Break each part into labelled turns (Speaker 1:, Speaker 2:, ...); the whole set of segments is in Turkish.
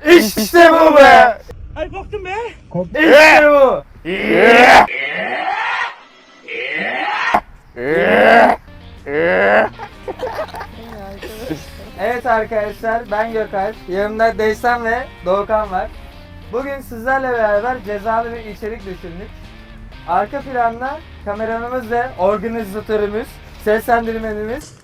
Speaker 1: İşte bu be.
Speaker 2: Ay korktum be.
Speaker 1: İşte bu. Evet arkadaşlar, ben Gökalp. Yanımda Deysan ve Doğukan var. Bugün sizlerle beraber cezalı bir içerik düşündük. Arka planda kameramız ve organizatörümüz, seslendirmenimiz,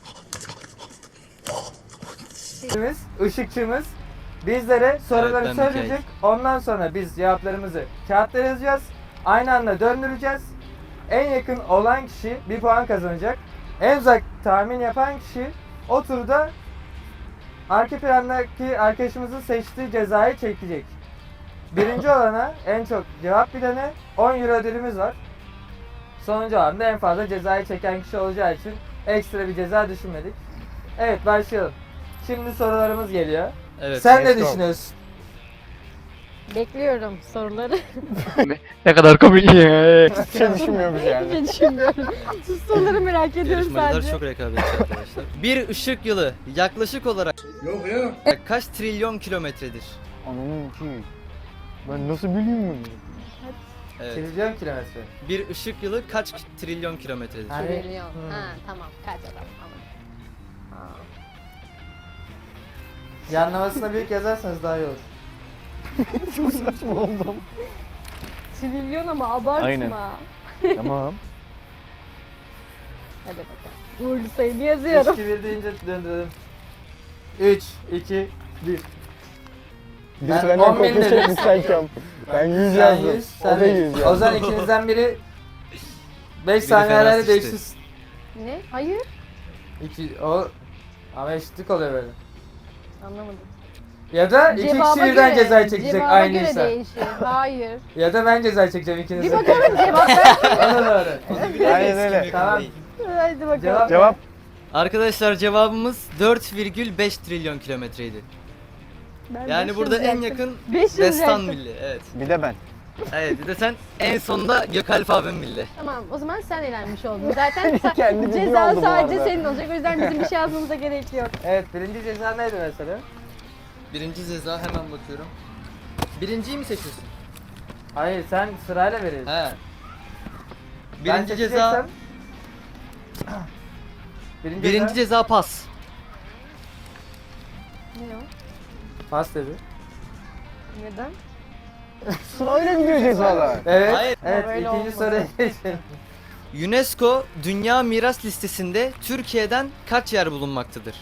Speaker 1: ışıkçımız bizlere soruları
Speaker 3: Evet, ben
Speaker 1: söyleyecek. Ondan sonra biz cevaplarımızı kağıtlara yazacağız. Aynı anda döndüreceğiz. En yakın olan kişi bir puan kazanacak. En uzak tahmin yapan kişi o turda arka plandaki arkadaşımızın seçtiği cezayı çekecek. Birinci olana, en çok cevap bilene 10 euro ödülümüz var. Sonuncu olan da en fazla cezayı çeken kişi olacağı için ekstra bir ceza düşünmedik. Evet, başlayalım. Şimdi sorularımız geliyor.
Speaker 3: Evet.
Speaker 1: Sen ne
Speaker 4: let's go.
Speaker 1: düşünüyorsun?
Speaker 5: Bekliyorum soruları.
Speaker 4: Ne kadar komik ya. Hiçbir şey düşünmüyormuş yani.
Speaker 5: Hiç düşünmüyorum. Siz soruları merak ediyorum
Speaker 3: Yarışmacılar
Speaker 5: sadece.
Speaker 3: çok rekabetçi arkadaşlar. Bir ışık yılı yaklaşık olarak kaç trilyon kilometredir?
Speaker 4: Ananın ki. Ben nasıl bileyim bunu?
Speaker 3: Evet.
Speaker 1: Trilyon kilometre.
Speaker 3: Bir ışık yılı kaç trilyon kilometredir?
Speaker 1: Ha.
Speaker 5: Trilyon.
Speaker 1: Hmm.
Speaker 5: Ha tamam kaç adam ama. Ha.
Speaker 1: Yanlamasına büyük yazarsanız daha iyi olur.
Speaker 4: Çok saçma oldum.
Speaker 5: Trilyon ama abartma.
Speaker 4: Aynen. Tamam.
Speaker 5: Hadi bakalım. Uğurlu sayını
Speaker 1: 3,
Speaker 5: yazıyorum.
Speaker 1: 2, 1 deyince döndürelim. 3, 2, 1.
Speaker 4: Bir
Speaker 1: Ben
Speaker 4: senden
Speaker 1: 10 bin
Speaker 4: kopya
Speaker 1: dedim.
Speaker 4: çekmiş sanki. Ben 100
Speaker 1: Sen
Speaker 4: yazdım.
Speaker 1: 100,
Speaker 4: O da 100 yazdı.
Speaker 1: O zaman ikinizden biri 5
Speaker 3: Biri
Speaker 1: saniye
Speaker 3: fena
Speaker 1: arayla
Speaker 3: sıçtı.
Speaker 1: değiştirsin.
Speaker 5: Ne? Hayır.
Speaker 1: O ama eşitlik oluyor böyle.
Speaker 5: Anlamadım.
Speaker 1: Ya da iki kişi birden cezayı çekecek
Speaker 5: cevaba
Speaker 1: aynıysa.
Speaker 5: göre değişir. Hayır.
Speaker 1: Ya da ben cezayı çekeceğim
Speaker 5: Bir
Speaker 1: ikinizden.
Speaker 5: bakalım cevap ver.
Speaker 1: Ona doğru.
Speaker 4: Aynen öyle.
Speaker 1: Tamam.
Speaker 5: Hadi bakalım.
Speaker 1: Cevap.
Speaker 4: Cevap.
Speaker 3: Arkadaşlar cevabımız 4,5 trilyon kilometreydi.
Speaker 5: Ben
Speaker 3: Yani
Speaker 5: 500
Speaker 3: burada en
Speaker 5: yaktım.
Speaker 3: yakın
Speaker 5: 500
Speaker 3: Destan
Speaker 5: yaktım.
Speaker 3: milli. Evet.
Speaker 4: Bir de ben.
Speaker 3: Evet, bir de sen en sonunda Gökalp abim milli.
Speaker 5: Tamam o zaman sen eğlenmiş oldun. Zaten
Speaker 4: Kendi bildiği
Speaker 5: ceza
Speaker 4: oldu bu
Speaker 5: sadece
Speaker 4: arada.
Speaker 5: senin olacak. O yüzden bizim bir şey yazmamıza gerek yok.
Speaker 1: Evet, birinci ceza neydi mesela?
Speaker 3: Birinci ceza hemen bakıyorum. Birinciyi mi seçiyorsun?
Speaker 1: Hayır, sen sırayla veriyorsun.
Speaker 3: He.
Speaker 1: Ben
Speaker 3: Birinci ceza
Speaker 1: seçeceksem-
Speaker 3: birinci ceza pas.
Speaker 5: Ne o?
Speaker 1: Pas dedi.
Speaker 5: Neden?
Speaker 4: Sırayla gidiyor cezalar.
Speaker 1: Evet.
Speaker 3: Hayır.
Speaker 1: Evet,
Speaker 5: Böyle
Speaker 1: ikinci
Speaker 5: olmadı.
Speaker 1: soruya geçelim.
Speaker 3: UNESCO Dünya Miras Listesi'nde Türkiye'den kaç yer bulunmaktadır?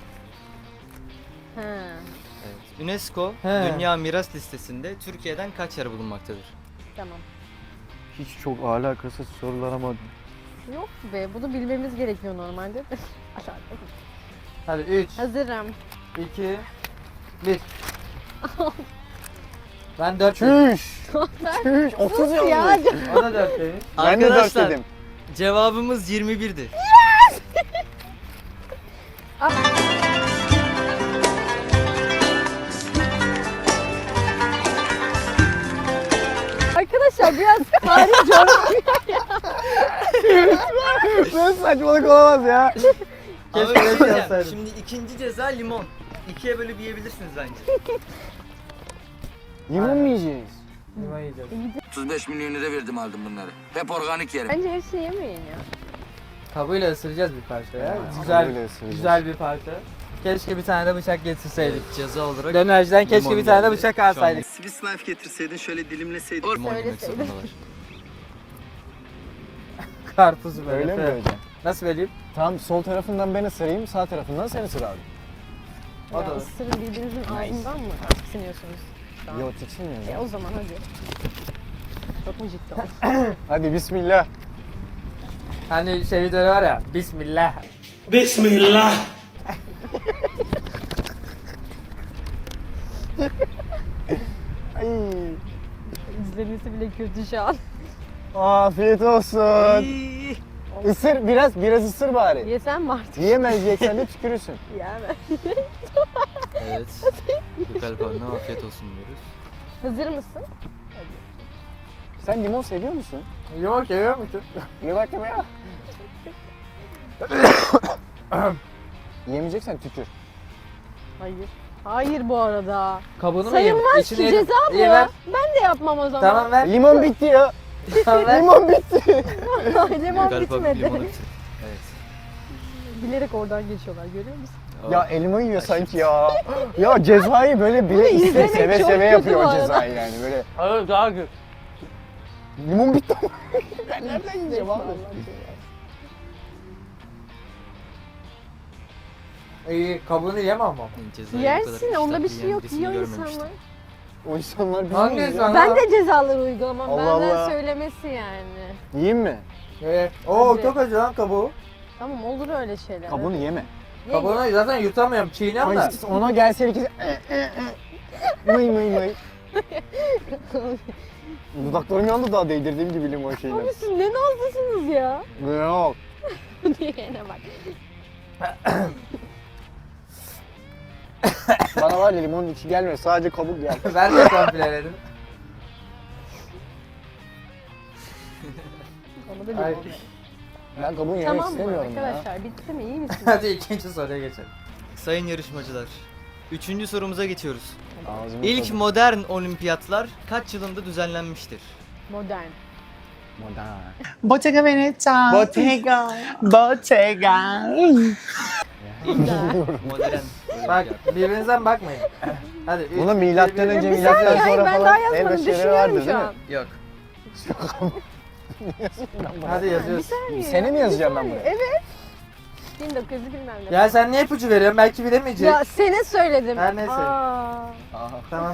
Speaker 5: Ha.
Speaker 3: Evet. UNESCO
Speaker 1: He.
Speaker 3: Dünya Miras Listesi'nde Türkiye'den kaç yer bulunmaktadır?
Speaker 5: Tamam.
Speaker 4: Hiç çok alakasız sorular ama.
Speaker 5: Yok be bunu bilmemiz gerekiyor normalde. Aşağıda.
Speaker 1: Hadi 3,
Speaker 5: Hazırım.
Speaker 1: 2, 1. Ben 4
Speaker 4: Çüş. Çüş. 30
Speaker 5: Sus ya.
Speaker 4: yazmış.
Speaker 1: O da 4 demiş.
Speaker 4: Ben de 4
Speaker 3: Arkadaşlar
Speaker 4: dedim.
Speaker 3: cevabımız 21'di.
Speaker 5: Arkadaşlar biraz tarih coğrafya.
Speaker 4: Böyle saçmalık olamaz ya.
Speaker 3: Ama
Speaker 1: Keşke
Speaker 3: bir şey
Speaker 1: öyle
Speaker 3: diyeceğim.
Speaker 1: yazsaydım.
Speaker 3: Şimdi ikinci ceza limon. İkiye bölüp yiyebilirsiniz bence.
Speaker 4: Limon mu yiyeceğiz?
Speaker 1: Limon yiyeceğiz.
Speaker 6: 35 milyon lira verdim aldım bunları. Hep organik yerim.
Speaker 5: Bence hepsini yemeyin ya.
Speaker 1: Kabuğuyla ısıracağız bir parça ya.
Speaker 4: kabuğuyla
Speaker 1: Güzel,
Speaker 4: ısıracağız.
Speaker 1: güzel bir parça. Keşke bir tane de bıçak getirseydik.
Speaker 3: Evet, ceza olarak
Speaker 1: Dönerciden keşke
Speaker 3: limon
Speaker 1: bir tane de
Speaker 3: geldi.
Speaker 1: bıçak
Speaker 3: Şu an
Speaker 1: alsaydık.
Speaker 7: Swiss knife getirseydin şöyle dilimleseydin.
Speaker 3: limon yemek
Speaker 5: Söyleseydin.
Speaker 3: zorundalar.
Speaker 1: Karpuzu böyle.
Speaker 4: Öyle mi
Speaker 1: falan.
Speaker 4: böyle?
Speaker 1: Nasıl vereyim?
Speaker 4: Tamam, sol tarafından ben ısırayım, sağ tarafından sen ısır abi.
Speaker 1: O da
Speaker 5: Ya
Speaker 1: olur.
Speaker 5: ısırın birbirinizin ağzından mı tiksiniyorsunuz? şu an?
Speaker 4: Yok, tiksinmiyor ya.
Speaker 5: O zaman hadi. Çok mu ciddi olsun?
Speaker 4: Hadi bismillah.
Speaker 1: Hani şey videoları var ya. Bismillah.
Speaker 2: Bismillah.
Speaker 4: Ay.
Speaker 5: İzlemesi bile kötü şu an.
Speaker 4: Afiyet olsun.
Speaker 3: İyi.
Speaker 4: Isır biraz ısır bari.
Speaker 5: Yesen mi artık?
Speaker 4: Yiyemeyeceksen de tükürürsün.
Speaker 5: Yani.
Speaker 3: Evet. Gökalp abine afiyet olsun diyoruz.
Speaker 5: Hazır mısın?
Speaker 4: Sen limon seviyor musun?
Speaker 1: Yoğurt yiyor musun?
Speaker 4: Ye bakayım ya. Yemeyeceksen tükür.
Speaker 5: Hayır. Hayır bu arada.
Speaker 1: Kabuğunu mu yiyeyim?
Speaker 5: Sayılmaz
Speaker 1: İçini
Speaker 5: ki
Speaker 1: yedim.
Speaker 5: ceza bu.
Speaker 1: İyi ver.
Speaker 5: Ben de yapmam o zaman.
Speaker 1: Tamam ver.
Speaker 4: Limon bitti ya.
Speaker 1: Tamam ver.
Speaker 4: Limon bitti.
Speaker 5: Limon
Speaker 3: Galiba
Speaker 5: bitmedi.
Speaker 3: limonu bitir. Evet.
Speaker 5: Bilerek oradan geçiyorlar görüyor musun?
Speaker 4: Ya elma yiyor sanki ya. Ya cezayı böyle bile iste
Speaker 5: izlemek
Speaker 4: seve
Speaker 5: çok
Speaker 4: seve
Speaker 5: kötü
Speaker 4: yapıyor
Speaker 5: bu
Speaker 4: o
Speaker 5: arada.
Speaker 4: cezayı yani böyle.
Speaker 2: Evet daha kötü.
Speaker 4: Limon bitti ama. Ben nereden yiyeceğim abi?
Speaker 1: İyi kabuğunu yemem ama.
Speaker 3: Cezayı bu
Speaker 5: Yersin
Speaker 3: kadar
Speaker 5: onda bir
Speaker 3: iştahlı
Speaker 5: şey yok.
Speaker 3: birisini
Speaker 5: Yiyor
Speaker 3: görmemiştim.
Speaker 5: insanlar.
Speaker 4: O insanlar
Speaker 1: Hangi
Speaker 4: bilmiyor ya.
Speaker 1: insan?
Speaker 5: Ben de cezaları uygulamam.
Speaker 4: Allah
Speaker 5: Benden
Speaker 4: Allah.
Speaker 5: söylemesi yani.
Speaker 4: Yiyeyim mi?
Speaker 1: Oo
Speaker 5: Hadi.
Speaker 1: çok acı lan kabuğu.
Speaker 5: Tamam olur öyle şeyler.
Speaker 4: Kabuğunu yeme.
Speaker 5: Ye,
Speaker 1: Kabuğunu zaten yutamıyorum. Çiğniyorum da.
Speaker 4: Ay, ona gelse ikisi mıy mıy mıy. Dudaklarım yandı daha değdirdiğim gibi limon şeyle.
Speaker 5: Abi siz ne nazlısınız ya?
Speaker 4: Yok.
Speaker 5: Diyene bak.
Speaker 4: Bana var ya limonun içi gelmiyor sadece kabuk gel.
Speaker 1: Ben de kompleledim.
Speaker 5: Onu da
Speaker 1: Ay.
Speaker 5: limon.
Speaker 4: Ben kabuğunu yemek
Speaker 5: Tamam mı
Speaker 4: istemiyorum ya.
Speaker 5: arkadaşlar? Bitti mi? İyi misiniz?
Speaker 1: Hadi ikinci soruya geçelim.
Speaker 3: Sayın yarışmacılar. 3. sorumuza geçiyoruz.
Speaker 4: Ağzımı
Speaker 3: İlk
Speaker 4: tadım.
Speaker 3: modern olimpiyatlar kaç yılında düzenlenmiştir?
Speaker 5: Modern.
Speaker 4: Modern.
Speaker 8: Bottega Veneta.
Speaker 4: Bottega.
Speaker 8: Bottega.
Speaker 3: Modern
Speaker 1: Bak
Speaker 3: olimpiyat.
Speaker 1: birbirinizden bakmayın. Hadi. üç,
Speaker 4: Buna
Speaker 1: iki,
Speaker 4: milattan
Speaker 1: bir.
Speaker 4: önce
Speaker 5: Bir
Speaker 4: milattan
Speaker 5: saniye, hayır,
Speaker 4: sonra
Speaker 5: ben
Speaker 4: falan
Speaker 5: daha
Speaker 4: el
Speaker 5: yazmadım.
Speaker 4: becerileri
Speaker 5: Düşünüyorum
Speaker 4: vardır
Speaker 5: şu
Speaker 4: değil mi?
Speaker 5: an.
Speaker 3: Yok.
Speaker 1: Hadi yazıyoruz.
Speaker 5: Saniye
Speaker 4: Seni
Speaker 5: ya,
Speaker 4: mi
Speaker 5: bir
Speaker 4: yazacağım ben
Speaker 5: saniye.
Speaker 4: buraya?
Speaker 5: Evet. 1900 bilmem ne.
Speaker 1: Ya sen niye ipucu veriyorsun? Belki bilemeyecek.
Speaker 5: Ya sene söyledim.
Speaker 1: Her neyse.
Speaker 5: Aa.
Speaker 4: Aha.
Speaker 1: Tamam.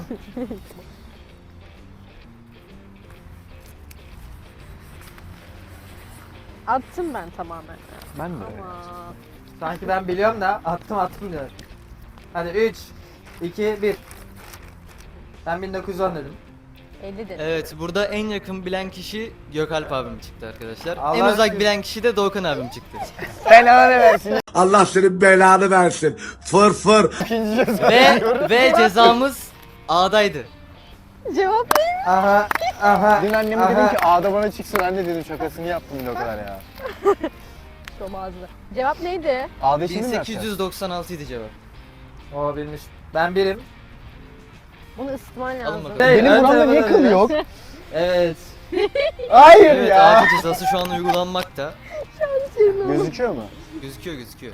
Speaker 5: Attım ben tamamen.
Speaker 4: Ben de
Speaker 5: Ama.
Speaker 1: Sanki ben biliyorum da attım diyor. Hadi 3, 2, 1. Ben 1910 dedim.
Speaker 5: 50 dedim.
Speaker 3: Evet, burada en yakın bilen kişi Gökalp abim çıktı arkadaşlar.
Speaker 1: Allah
Speaker 3: en uzak
Speaker 1: aşkına.
Speaker 3: bilen kişi de Doğukan abim çıktı.
Speaker 4: Belanı versin.
Speaker 9: Allah senin belanı versin. Fır fır.
Speaker 4: İkinci ceza.
Speaker 3: ve cezamız A'daydı.
Speaker 5: Cevap ne?
Speaker 1: Aha, aha.
Speaker 4: Dün anneme
Speaker 1: aha.
Speaker 4: dedim ki A'da bana çıksın anne dedim şakasını yaptım bile o kadar ya.
Speaker 5: Çok ağzına. Cevap neydi?
Speaker 4: A'da şimdi mi yapacağız?
Speaker 3: 1896 idi cevap.
Speaker 1: O bilmiş. Ben birim.
Speaker 5: Bunu ısıtman lazım.
Speaker 3: bakalım.
Speaker 4: Benim
Speaker 1: ön
Speaker 4: buramda niye
Speaker 1: tarafa
Speaker 4: kıl
Speaker 1: dönüyoruz.
Speaker 4: yok?
Speaker 1: Evet.
Speaker 4: Hayır
Speaker 3: Evet,
Speaker 4: ya.
Speaker 3: ağacı cezası şu an uygulanmakta.
Speaker 4: Gözüküyor mu?
Speaker 3: Gözüküyor.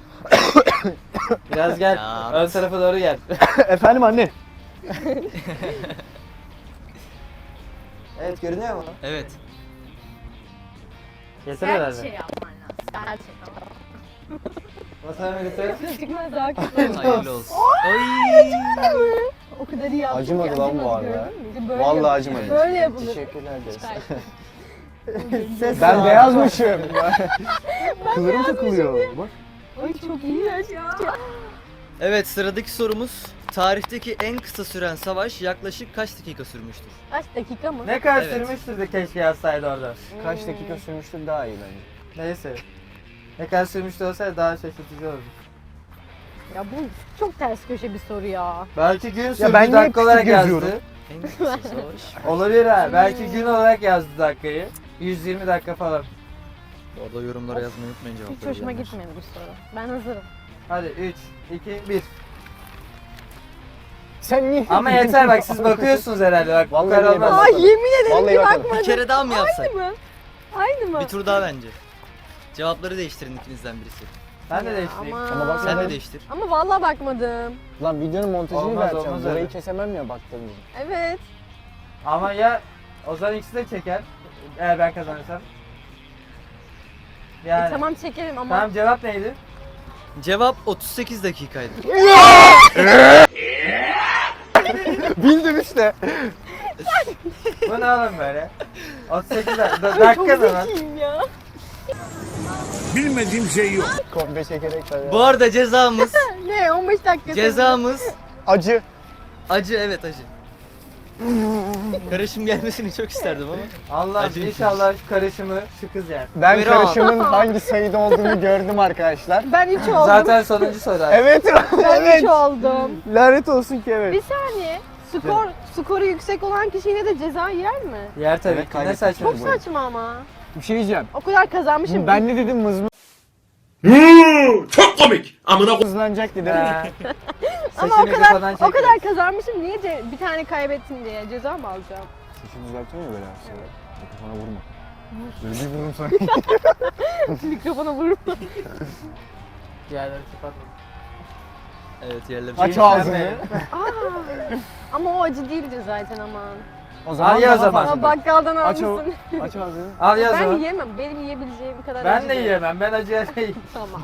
Speaker 1: Biraz gel.
Speaker 3: Ya.
Speaker 1: Ön tarafa doğru gel.
Speaker 4: Efendim anne.
Speaker 1: Evet görünüyor mu?
Speaker 3: Evet.
Speaker 1: Yeter herhalde.
Speaker 5: Şey yapman lazım. Gerçekten.
Speaker 1: Masaya götür.
Speaker 5: Çıkmaz daha kötü.
Speaker 3: Hayırlı olsun. Oy.
Speaker 5: O kadar iyi yaptık
Speaker 4: Acımadı
Speaker 5: ki,
Speaker 4: lan bu
Speaker 5: acımadı,
Speaker 4: arada.
Speaker 5: gördün mü? İşte böyle
Speaker 4: Vallahi
Speaker 5: yapılır.
Speaker 4: acımadı.
Speaker 5: Böyle yapılır.
Speaker 4: Teşekkürler ederiz.
Speaker 1: Ses
Speaker 4: Ben
Speaker 1: var.
Speaker 4: beyazmışım. Kıllarım takılıyor. Bak.
Speaker 5: Ay çok iyi ya.
Speaker 3: Evet, sıradaki sorumuz. Tarihteki en kısa süren savaş yaklaşık kaç dakika sürmüştür?
Speaker 5: Kaç dakika mı?
Speaker 1: Ne kadar
Speaker 3: Evet.
Speaker 1: sürmüştür de keşke yazsaydı orada.
Speaker 4: Kaç dakika sürmüştür daha iyi bence.
Speaker 1: Neyse. Ne kadar sürmüştü olsaydı daha şaşırtıcı olurdu.
Speaker 5: Ya bu çok ters köşe bir soru ya.
Speaker 1: Belki gün sürdü
Speaker 4: ben niye
Speaker 1: dakika
Speaker 4: küçük
Speaker 1: olarak
Speaker 4: yazıyorum?
Speaker 1: yazdı.
Speaker 3: En kısa savaş.
Speaker 1: Olabilir ha. Belki gün olarak yazdı dakikayı. 120 dakika falan.
Speaker 3: Orada yorumlara yazmayı unutmayın
Speaker 5: Hiç
Speaker 3: cevapları.
Speaker 5: hoşuma
Speaker 3: bilenler.
Speaker 5: gitmedi bu soru. Ben hazırım.
Speaker 1: Hadi 3, 2, 1.
Speaker 4: Sen niye?
Speaker 1: Ama yeter bak siz bakıyorsunuz herhalde bak.
Speaker 4: Vallahi
Speaker 1: bu kadar
Speaker 4: yemedim.
Speaker 1: olmaz.
Speaker 5: Ay yemin ederim
Speaker 4: Vallahi
Speaker 5: ki
Speaker 4: bakmadım.
Speaker 5: bakmadım.
Speaker 3: Bir kere daha mı yapsak?
Speaker 5: Aynı mı? Aynı mı?
Speaker 3: Bir tur daha bence. Cevapları değiştirin ikinizden birisi.
Speaker 1: Ben de
Speaker 5: Ya
Speaker 1: değiştireyim.
Speaker 4: Ama bak
Speaker 3: Sen de
Speaker 4: Ben-
Speaker 3: değiştir.
Speaker 5: Ama vallahi bakmadım.
Speaker 4: Lan videonun montajını
Speaker 1: Olmaz,
Speaker 4: vereceğim.
Speaker 1: olmaz
Speaker 4: Burayı
Speaker 1: öyle.
Speaker 4: kesemem ya baktığımda.
Speaker 5: Evet.
Speaker 1: Ama ya o zaman ikisi de çeker. Eğer ben kazanırsam. Yani.
Speaker 5: Tamam çekelim ama.
Speaker 1: Tamam cevap neydi?
Speaker 3: Cevap 38 dakikaydı.
Speaker 4: Bildim işte.
Speaker 1: Bu ne oğlum böyle? 38 dakika
Speaker 5: Çok
Speaker 1: mı lan?
Speaker 5: zekiyim ya.
Speaker 9: Bilmediğim şey yok.
Speaker 4: Komple çekerek tabii.
Speaker 3: Bu arada cezamız
Speaker 5: Ne 15 dakika.
Speaker 3: cezamız
Speaker 4: Acı.
Speaker 3: acı, evet acı. Karışım gelmesini çok isterdim ama.
Speaker 1: Allah'ım
Speaker 3: Acı.
Speaker 1: inşallah şu karışımı şu kız yer.
Speaker 4: Ben
Speaker 3: Buyurun.
Speaker 4: karışımın hangi sayıda olduğunu gördüm arkadaşlar.
Speaker 5: Ben 3 oldum.
Speaker 1: Zaten sonuncu soru.
Speaker 4: Evet.
Speaker 5: Ben 3
Speaker 4: evet.
Speaker 5: oldum.
Speaker 4: Lanet olsun ki evet.
Speaker 5: Bir saniye. Skoru yüksek olan kişi yine de ceza yer mi?
Speaker 1: Yer tabii
Speaker 4: Evet,
Speaker 1: ki. Ne
Speaker 4: kaybettik.
Speaker 1: saçma
Speaker 5: Çok
Speaker 1: bu.
Speaker 5: saçma ama.
Speaker 4: Bir şey diyeceğim.
Speaker 5: O kadar kazanmışım.
Speaker 4: Ben ne dedim
Speaker 2: Çok komik. Amına
Speaker 4: hızlanacak dedim.
Speaker 1: Ha,
Speaker 5: Ama
Speaker 1: Saçını kafadan
Speaker 5: o kadar
Speaker 1: çekiyoruz.
Speaker 5: kazanmışım. Niye bir tane kaybettim diye ceza mı alacağım?
Speaker 4: Saçını düzeltiyor mu böyle aslında? Mikrofona vurma. Böyle bir vururum sana.
Speaker 5: Mikrofona vurma.
Speaker 1: Yerleri kapatma.
Speaker 3: Evet yerleri.
Speaker 4: Aç ağzını.
Speaker 5: Aa, ama o acı değildi zaten aman.
Speaker 4: O
Speaker 1: Al ya o
Speaker 4: daha
Speaker 1: zaman.
Speaker 4: fazla.
Speaker 5: Ama bakkaldan
Speaker 4: Aç o.
Speaker 5: almışsın.
Speaker 4: Aç ağzını.
Speaker 1: Al yaz
Speaker 5: Ben
Speaker 1: o.
Speaker 5: yiyemem. Benim yiyebileceğim kadar
Speaker 1: Ben
Speaker 5: acı
Speaker 1: de
Speaker 5: değil.
Speaker 1: yiyemem. Ben acıya değil.
Speaker 5: Tamam.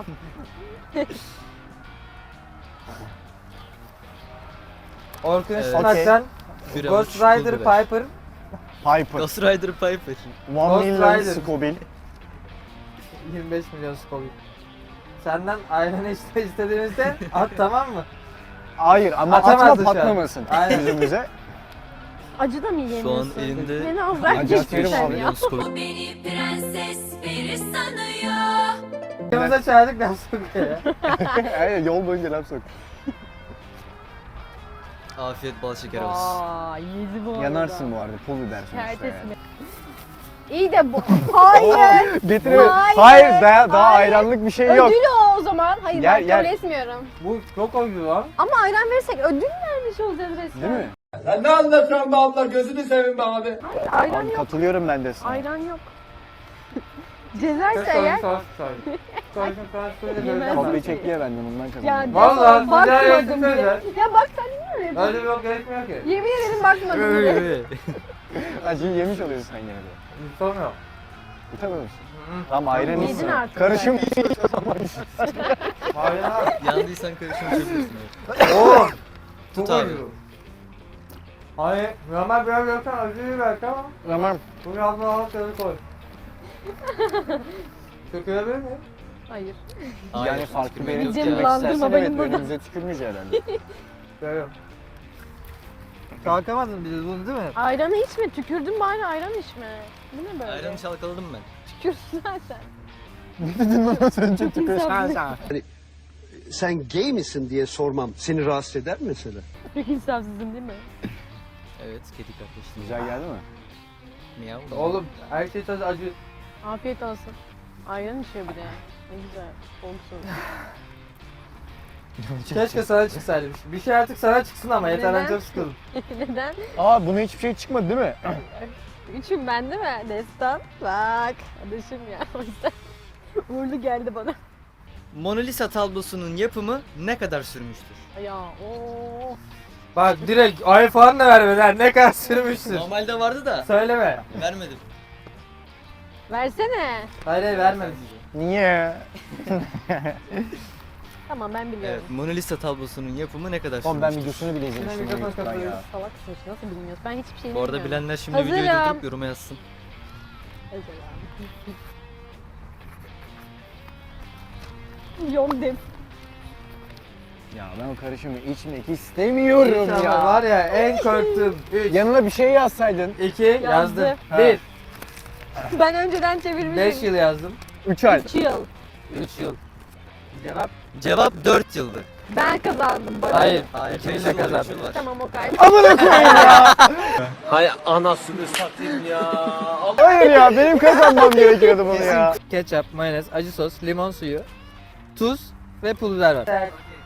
Speaker 1: Orkun
Speaker 3: Evet.
Speaker 1: Işıtmak'tan
Speaker 3: Bir
Speaker 1: Ghost
Speaker 3: avuç
Speaker 1: Rider
Speaker 3: pul biber.
Speaker 1: Piper
Speaker 3: Ghost Rider Piper.
Speaker 4: 1
Speaker 1: Ghost
Speaker 4: milyon
Speaker 1: Rider.
Speaker 4: Scoville.
Speaker 1: 25 milyon Scoville. Senden ayranı istediğimizde at, tamam mı?
Speaker 4: Hayır ama
Speaker 1: Atamazsın
Speaker 4: atma
Speaker 1: şu an.
Speaker 4: patlamasın
Speaker 1: Aynen.
Speaker 4: yüzümüze.
Speaker 5: Acı da mı
Speaker 3: Şu
Speaker 5: yiyemiyorsun?
Speaker 3: an elimde
Speaker 5: Beni az bırak
Speaker 4: Acı
Speaker 5: geçtin
Speaker 4: atıyorum
Speaker 5: sen
Speaker 4: abi.
Speaker 5: ya.
Speaker 3: milyon Scoville.
Speaker 10: Beni prenses peri sanıyor.
Speaker 1: Yanımıza çağırdık laf sokuyor ya.
Speaker 4: Aynen yol boyunca laf sok.
Speaker 3: Afiyet bal şeker olsun.
Speaker 5: Aa, yedi bu arada.
Speaker 4: Yanarsın bu arada. Pul biber sonuçta
Speaker 5: Kertes
Speaker 4: yani.
Speaker 5: mi? İyi de bu. Hayır.
Speaker 4: Getirme.
Speaker 5: Hayır.
Speaker 4: Hayır daha
Speaker 5: Hayır.
Speaker 4: ayranlık bir şey yok.
Speaker 5: Ödül o zaman. Hayır
Speaker 4: Yer-
Speaker 5: ben
Speaker 4: yer.
Speaker 5: kabul etmiyorum.
Speaker 1: Bu çok acı lan.
Speaker 5: Ama ayran verirsek ödül vermiş olacağız resmen.
Speaker 4: Değil mi?
Speaker 9: Sen ne anlatıyorsun be abla, gözünü seveyim be abi.
Speaker 5: Hayır, ayran
Speaker 4: Abi
Speaker 5: yok.
Speaker 4: katılıyorum ben de sana.
Speaker 5: Ayran yok. Cezerse
Speaker 1: Soyun
Speaker 5: eğer.
Speaker 1: sos soy. Soyun sos böyle
Speaker 5: Yemez.
Speaker 1: böyle.
Speaker 4: Kopya çekti ya benden ondan
Speaker 5: Ya
Speaker 4: kazandım.
Speaker 1: Vallahi
Speaker 5: bakmadım
Speaker 1: güzel
Speaker 5: bile.
Speaker 1: yaptın
Speaker 5: Ya bak sen niye öyle
Speaker 1: Öyle
Speaker 5: yapıyorsun?
Speaker 1: bir yok gerekmiyor ki.
Speaker 5: Yemin ederim bakmadım bile.
Speaker 4: Acıyı yemiş oluyorsun sen gene de.
Speaker 1: Sormuyor.
Speaker 4: Utanıyor musun? Tamam ayran
Speaker 5: Yedin
Speaker 4: içsin.
Speaker 5: artık
Speaker 4: Karışım
Speaker 1: Hayır abi.
Speaker 3: Yandıysan karışım içebilirsin. Evet.
Speaker 1: Oo.
Speaker 3: Tut
Speaker 1: Çok
Speaker 3: abi.
Speaker 1: acı. Hayır, normal biraz yoksan acıyı belki ama
Speaker 4: Tamam.
Speaker 1: bunu yazma alıp tadı koy. Tökülebilir mi?
Speaker 5: Hayır.
Speaker 3: Hayır,
Speaker 4: Yani farklı
Speaker 3: tükürmeyin
Speaker 4: benim
Speaker 3: yok
Speaker 5: Cem
Speaker 3: ya.
Speaker 5: bulandırma
Speaker 4: İstersen
Speaker 5: benim
Speaker 4: evet
Speaker 5: bunu.
Speaker 4: önümüze tükürmüş herhalde.
Speaker 1: Görüyorum. Kalkamadın biz bunu değil mi?
Speaker 5: Ayranı içme. Tükürdün bari ayran içme. Bu ne böyle?
Speaker 3: Ayranı çalkaladım ben.
Speaker 5: Tükürsün zaten.
Speaker 4: Ne dedin lan az önce tükür.
Speaker 7: Sen gay misin diye sormam seni rahatsız eder mi mesela?
Speaker 5: Çok insafsızım değil mi?
Speaker 3: Evet kedi kardeşim.
Speaker 4: Güzel geldi mi?
Speaker 3: Miyav.
Speaker 1: Oğlum her şey tadı acı.
Speaker 5: Afiyet olsun. Ayran içiyor bir de. Ne güzel. Olsun.
Speaker 1: Keşke sana çıksaydı bir şey. Bir şey artık sana çıksın ama yeter ben
Speaker 5: Neden?
Speaker 1: çok sıkıldım.
Speaker 5: Neden?
Speaker 4: Aa buna hiçbir şey çıkmadı değil mi?
Speaker 5: Üçüm ben değil mi? Destan. Bak. Adaşım ya. O yüzden uğurlu geldi bana.
Speaker 3: Mona Lisa tablosunun yapımı ne kadar sürmüştür?
Speaker 5: Ya o.
Speaker 1: Bak direkt ay falan da vermeden ne kadar sürmüşsün.
Speaker 3: Normalde vardı da
Speaker 1: Söyleme.
Speaker 3: vermedim.
Speaker 5: Versene.
Speaker 1: Hayır hayır vermemiş.
Speaker 4: Niye?
Speaker 5: Tamam ben biliyorum.
Speaker 3: Evet Mona Lisa tablosunun yapımı ne kadar
Speaker 4: Oğlum ben
Speaker 3: sürmüştür?
Speaker 4: videosunu bile
Speaker 1: Yine
Speaker 4: izlemiştim.
Speaker 1: mikrofon
Speaker 4: YouTube'dan ya.
Speaker 1: kapatıyoruz.
Speaker 5: Salaksın işte nasıl bilmiyorsun? Ben hiçbir şey
Speaker 3: Bu arada
Speaker 5: bilmiyorum.
Speaker 3: bilenler şimdi videoyu
Speaker 5: Hazırım.
Speaker 3: durdurup yoruma yazsın.
Speaker 5: Yondem.
Speaker 4: Ya ben o karışımı içmek istemiyorum
Speaker 1: İnşallah
Speaker 4: ya.
Speaker 1: var ya en korktuğum 3,
Speaker 4: Yanına bir şey yazsaydın.
Speaker 1: 2 yazdım.
Speaker 4: Ha.
Speaker 1: 1,
Speaker 5: Ben önceden çevirmişim.
Speaker 1: 5 yıl yazdım.
Speaker 4: 3 ay.
Speaker 5: 3 yıl.
Speaker 1: 3 yıl. Cevap?
Speaker 3: Cevap 4 yıldı.
Speaker 5: Ben kazandım. Bana.
Speaker 1: Hayır.
Speaker 3: Hayır,
Speaker 1: İkimiz de kazandık.
Speaker 3: var.
Speaker 5: Tamam o kadar.
Speaker 4: Amına koyayım ya.
Speaker 7: Hay anasını satayım ya.
Speaker 4: Hayır ya benim kazanmam gerekiyordu bunu ya.
Speaker 1: Ketçap, mayonez, acı sos, limon suyu, tuz ve pul biber var.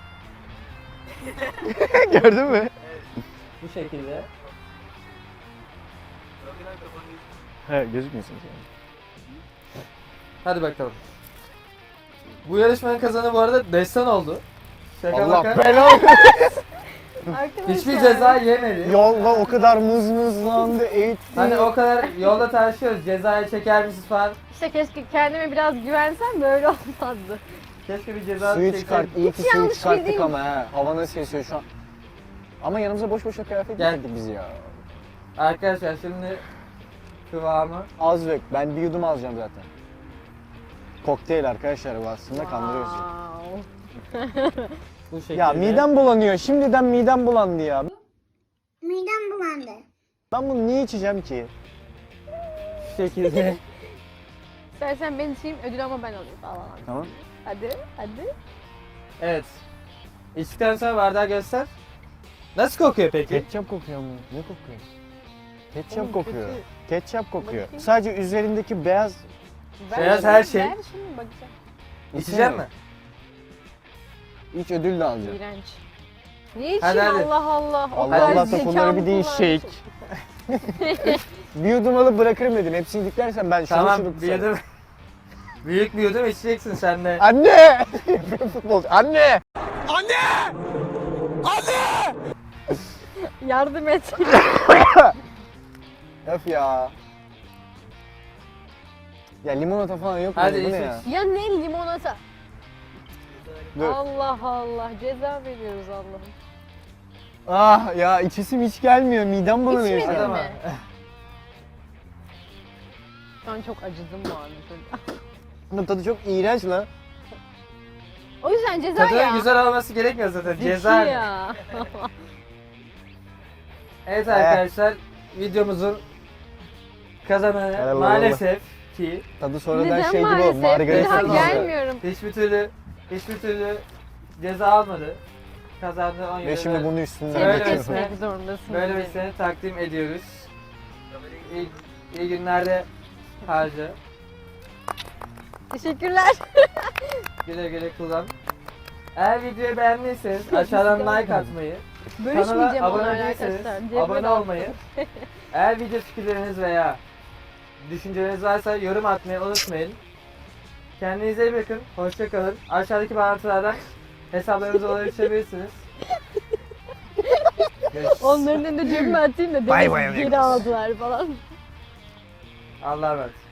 Speaker 4: Gördün mü?
Speaker 1: Bu şekilde.
Speaker 4: He gözükmüyorsun sen.
Speaker 1: Hadi bakalım. Bu yarışmanın kazanı bu arada Destan oldu. Şaka
Speaker 4: Allah
Speaker 1: baka.
Speaker 4: belanı.
Speaker 5: Arkadaşlar.
Speaker 1: Hiçbir ceza yemedi.
Speaker 4: Yolda o kadar mızmızlandı, eğitti.
Speaker 1: Hani o kadar yolda tartışıyoruz. Cezaya çeker misiniz falan.
Speaker 5: İşte keşke kendime biraz güvensem böyle olmazdı.
Speaker 1: Keşke bir ceza
Speaker 4: Suyu
Speaker 1: çekseydik.
Speaker 4: çıkart, iyi ki
Speaker 5: Hiç
Speaker 4: suyu
Speaker 5: yanlış
Speaker 4: çıkarttık
Speaker 5: bildiğim-
Speaker 4: ama he. Hava nasıl esiyor şu an. Ama yanımıza boş boşuna kıyafet
Speaker 1: Gel.
Speaker 4: getirdik biz ya.
Speaker 1: Arkadaşlar şimdi kıvamı.
Speaker 4: Az dök, ben bir yudum alacağım zaten. Kokteyl arkadaşlar bu aslında kandırıyoruz.
Speaker 5: Wow.
Speaker 1: Bu şekilde.
Speaker 4: Ya midem bulanıyor, şimdiden midem bulandı ya.
Speaker 10: Midem bulandı.
Speaker 4: Ben bunu niye içeceğim ki?
Speaker 1: Şu şekilde.
Speaker 5: İstersen ben içeyim ödül ama ben alayım falan.
Speaker 4: Tamam.
Speaker 5: Hadi hadi.
Speaker 1: Evet. İçtikten sonra bardağı göster. Nasıl kokuyor peki?
Speaker 4: Ketçap kokuyor mu? Ne kokuyor? Ketçap
Speaker 5: Oğlum,
Speaker 4: kokuyor.
Speaker 5: kötü.
Speaker 4: Ketçap kokuyor.
Speaker 5: Bakayım.
Speaker 4: Sadece üzerindeki beyaz
Speaker 1: Beyaz her şey.
Speaker 5: Ver şunu bakacağım.
Speaker 1: İçecek mi?
Speaker 4: İç ödül de alacağım.
Speaker 5: İğrenç. Niye
Speaker 1: Hadi,
Speaker 5: içeyim
Speaker 1: hadi.
Speaker 5: Allah Allah. O
Speaker 8: Allah
Speaker 5: kadar
Speaker 8: Allah
Speaker 5: zekamı
Speaker 8: konuları bir değişik. Bir yudum alıp bırakırım dedim. Hepsini diklersen ben şunu
Speaker 1: Tamam
Speaker 5: şey
Speaker 1: bir yudum. Büyük bir yudum içeceksin sen de.
Speaker 8: Anne! Yapıyorum futbolcu. Anne!
Speaker 5: Yardım et.
Speaker 8: Öf ya. Ya limonata falan yok mu?
Speaker 1: Hadi
Speaker 8: Bu ne
Speaker 1: iç,
Speaker 8: ya?
Speaker 5: Ya ne limonata?
Speaker 8: Dur.
Speaker 5: Allah Allah ceza veriyoruz Allah'ım.
Speaker 8: Ah ya içesim hiç gelmiyor. Midem bulanıyor.
Speaker 5: İçmedin
Speaker 8: şu an.
Speaker 1: Adama.
Speaker 5: mi? Ben çok acıdım bu arada.
Speaker 8: Bunun tadı çok iğrenç lan.
Speaker 5: O yüzden ceza
Speaker 1: Tadının
Speaker 5: ya.
Speaker 1: güzel olması gerekmiyor zaten.
Speaker 5: Zeki
Speaker 1: Ceza.
Speaker 5: ya.
Speaker 1: Evet arkadaşlar videomuzun kazananı
Speaker 8: Helal olsun.
Speaker 1: maalesef ki
Speaker 8: Tadı sonradan
Speaker 5: Neden
Speaker 8: şey gibi oldu.
Speaker 5: maalesef? Bir
Speaker 8: Margarita
Speaker 5: daha
Speaker 1: tadı.
Speaker 8: tadı.
Speaker 5: gelmiyorum.
Speaker 1: hiçbir türlü ceza almadı. Kazandı 10 euro.
Speaker 8: Ve şimdi bunu üstünden
Speaker 1: Öyle
Speaker 5: Tebrik
Speaker 1: mi?
Speaker 5: etmek zorundasın.
Speaker 1: Böyle bir
Speaker 5: beni.
Speaker 1: seni takdim ediyoruz. İyi günlerde harca.
Speaker 5: Teşekkürler.
Speaker 1: Güle güle kullan. Eğer videoyu beğendiyseniz aşağıdan like atmayı,
Speaker 5: Bölüşmeyeceğim
Speaker 1: kanala
Speaker 5: onlarla
Speaker 1: abone değilseniz
Speaker 5: arkadaşlar. Cebime
Speaker 1: abone
Speaker 5: dağıttım.
Speaker 1: olmayı, eğer video fikirleriniz veya düşünceleriniz varsa yorum atmayı unutmayın. Kendinize iyi bakın, hoşça kalın. Aşağıdaki bağlantılardan hesaplarınıza ulaşabilirsiniz. Görüşürüz.
Speaker 5: Onların önünde cebime atayım da
Speaker 8: Bay
Speaker 5: demek
Speaker 8: bay
Speaker 5: geri
Speaker 8: amigos.
Speaker 5: aldılar falan.
Speaker 1: Allah'a emanet.